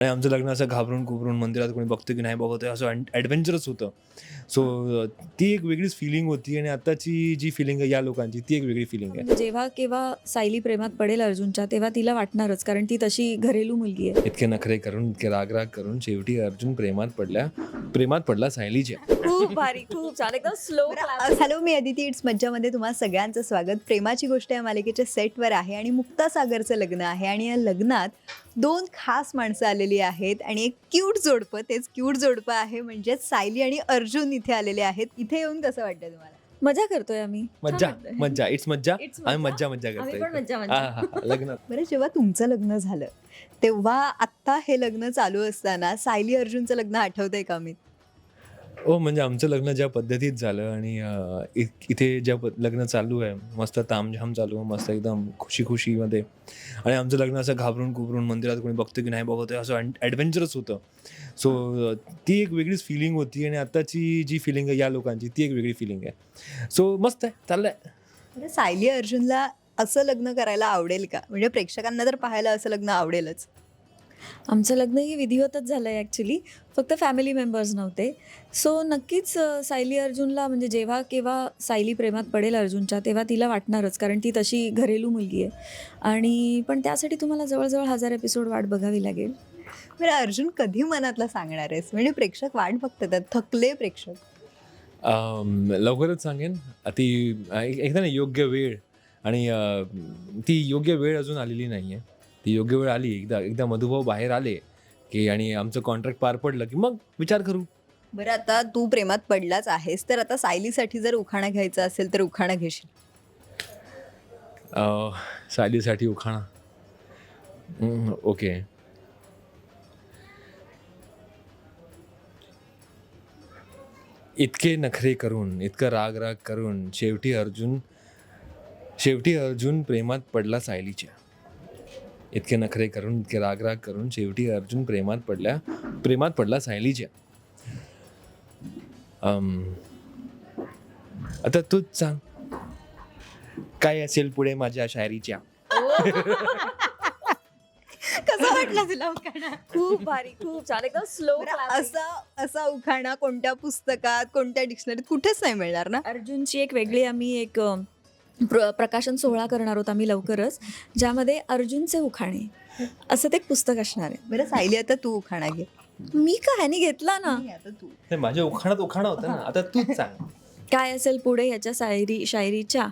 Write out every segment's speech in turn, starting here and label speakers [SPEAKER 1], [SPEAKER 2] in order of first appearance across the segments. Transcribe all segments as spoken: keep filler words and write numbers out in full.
[SPEAKER 1] आमचं लग्न असं घाबरून घुबरून मंदिरात कोणी बघतं की नाही बघत आहे असं ॲडव्हेंचरस होतं. सो ती एक वेगळीच फिलिंग होती आणि आत्ताची जी फिलिंग आहे या लोकांची ती एक वेगळी फिलिंग आहे.
[SPEAKER 2] म्हणजे जेव्हा केव्हा सायली प्रेमात पडेल अर्जुनच्या, तेव्हा तिला वाटणारच, कारण ती तशी घरेलू मुलगी आहे.
[SPEAKER 1] इतके नखरे करून, इतके राग-राग करून शेवटी अर्जुन प्रेमात पडल्या प्रेमात पडला सायलीच्या.
[SPEAKER 2] खूप भारी, खूप छान, एकदम slow
[SPEAKER 3] hello, me Aditi it's मज्जामध्ये तुम्हा सगळ्यांचं स्वागत. प्रेमाची गोष्ट या मालिकेच्या सेटवर आहे आणि मुक्ता सागरचं लग्न आहे आणि या लग्नात दोन खास माणसं आलेली आहेत आणि एक क्यूट जोडपं, तेच क्यूट जोडपं आहे म्हणजेच सायली आणि अर्जुन इथे आलेले आहेत. इथे येऊन कसं वाटतं तुम्हाला?
[SPEAKER 2] मजा करतोय आम्ही.
[SPEAKER 1] मज्जा
[SPEAKER 2] छान वाटतंय.
[SPEAKER 1] मज्जा इट्स मज्जा.
[SPEAKER 2] It's
[SPEAKER 1] आम्ही
[SPEAKER 2] मज्जा.
[SPEAKER 1] मज्जा मज्जा
[SPEAKER 2] आम्ही
[SPEAKER 1] करतोय
[SPEAKER 2] पण मज्जा
[SPEAKER 1] इथे.
[SPEAKER 2] मज्जा.
[SPEAKER 1] हा, हा, हा. लग्नात
[SPEAKER 3] बरं, जेव्हा तुमचं लग्न झालं तेव्हा आत्ता हे लग्न चालू असताना सायली अर्जुनचं लग्न आठवतंय का? मी
[SPEAKER 1] हो, म्हणजे आमचं लग्न ज्या पद्धतीत झालं आणि अ, इ इथे ज्या प लग्न चालू आहे, मस्त तामझाम चालू आहे, मस्त एकदम खुशी-खुशीमध्ये आणि आमचं लग्न असं घाबरून घुबरून मंदिरात कोणी बघतं की नाही बघत आहे असं ॲडव्हेंचरस होतं. सो ती एक वेगळीच फिलिंग होती आणि आत्ताची जी फिलिंग आहे या लोकांची ती एक वेगळी फिलिंग आहे. सो मस्त आहे, चाललंय.
[SPEAKER 3] बरं, सायली अर्जुनला असं लग्न करायला आवडेल का? म्हणजे प्रेक्षकांना तर पाहायला असं लग्न आवडेलच.
[SPEAKER 2] आमचं लग्नही विधिवतच झालं आहे ॲक्च्युली, फक्त फॅमिली मेंबर्स नव्हते. सो नक्कीच अ, सायली अर्जुनला म्हणजे जेव्हा केव्हा सायली प्रेमात पडेल अर्जुनच्या, तेव्हा तिला वाटणारच, कारण ती तशी घरेलू मुलगी आहे. आणि पण त्यासाठी तुम्हाला जवळजवळ हजार एपिसोड वाट बघावी लागेल.
[SPEAKER 3] बरं, अर्जुन कधी मनातला सांगणार आहेस? म्हणजे प्रेक्षक वाट बघतात, थकले प्रेक्षक.
[SPEAKER 1] अं, लवकरच सांगेन. ती एक एकदा ना योग्य वेळ आणि अ, ती योग्य वेळ अजून आलेली नाही आहे. ती योग्य वेळ आली एकदा एकदा मधुभाऊ बाहेर आले की आणि आमचं कॉन्ट्रॅक्ट पार पडलं की मग विचार करू.
[SPEAKER 3] बरं, आता तू प्रेमात पडलाच आहेस, तर आता सायलीसाठी जर उखाणा घ्यायचा असेल तर उखाणा घेशील?
[SPEAKER 1] अ, सायलीसाठी उखाणा. हं, ओके. इतके नखरे करून, इतकं राग-राग करून शेवटी अर्जुन शेवटी अर्जुन प्रेमात पडला सायलीच्या. इतके नखरे करून, इतके राग-राग करून शेवटी अर्जुन प्रेमात पडल्या प्रेमात पडला सायलीच्या. अं, आता तूच सांग, काय असेल पुढे माझ्या शायरीच्या?
[SPEAKER 3] कसं वाटलं तुला उखाणा?
[SPEAKER 2] खूप भारी, खूप छान, एकदम स्लो
[SPEAKER 3] बरं, असा असा उखाणा कोणत्या पुस्तकात, कोणत्या डिक्शनरीत कुठेच नाही मिळणार ना?
[SPEAKER 2] अर्जुनची एक वेगळी आम्ही एक अ, प्र प्रकाशन सोहळा करणार आहोत आम्ही लवकरच, ज्यामध्ये अर्जुनचे उखाणे असं ते एक पुस्तक असणार आहे.
[SPEAKER 3] बरं सायली, आता तू उखाणा घे.
[SPEAKER 2] मी का ह्यानी घेतला ना.
[SPEAKER 3] नाही, आता तू.
[SPEAKER 1] नाही, माझ्या उखाणात उखाणा होता ना, आता तूच सांग.
[SPEAKER 2] काय असेल पुढे याच्या शायरी शायरीच्या.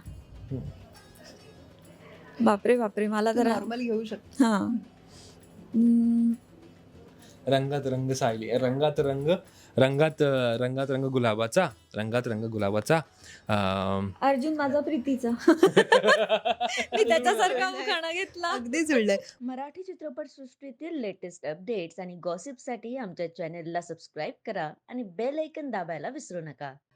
[SPEAKER 2] बापरे बापरे, मला तर
[SPEAKER 3] नॉर्मल घेऊ शकतो.
[SPEAKER 2] हां. हम्म,
[SPEAKER 1] रंगात रंग सायली, रंगात रंग रंगात रंगात रंग गुलाबाचा, रंगात रंग गुलाबाचा. अं,
[SPEAKER 2] अर्जुन माझा प्रीतीचा. मी त्याच्यासारखा उखाणा घेतला.
[SPEAKER 3] अगदी जुळलंय.
[SPEAKER 4] मराठी चित्रपटसृष्टीतील लेटेस्ट अपडेट्स आणि गॉसिपसाठी आमच्या चॅनेलला सबस्क्राईब करा आणि बेल ऐकन दाबायला विसरू नका.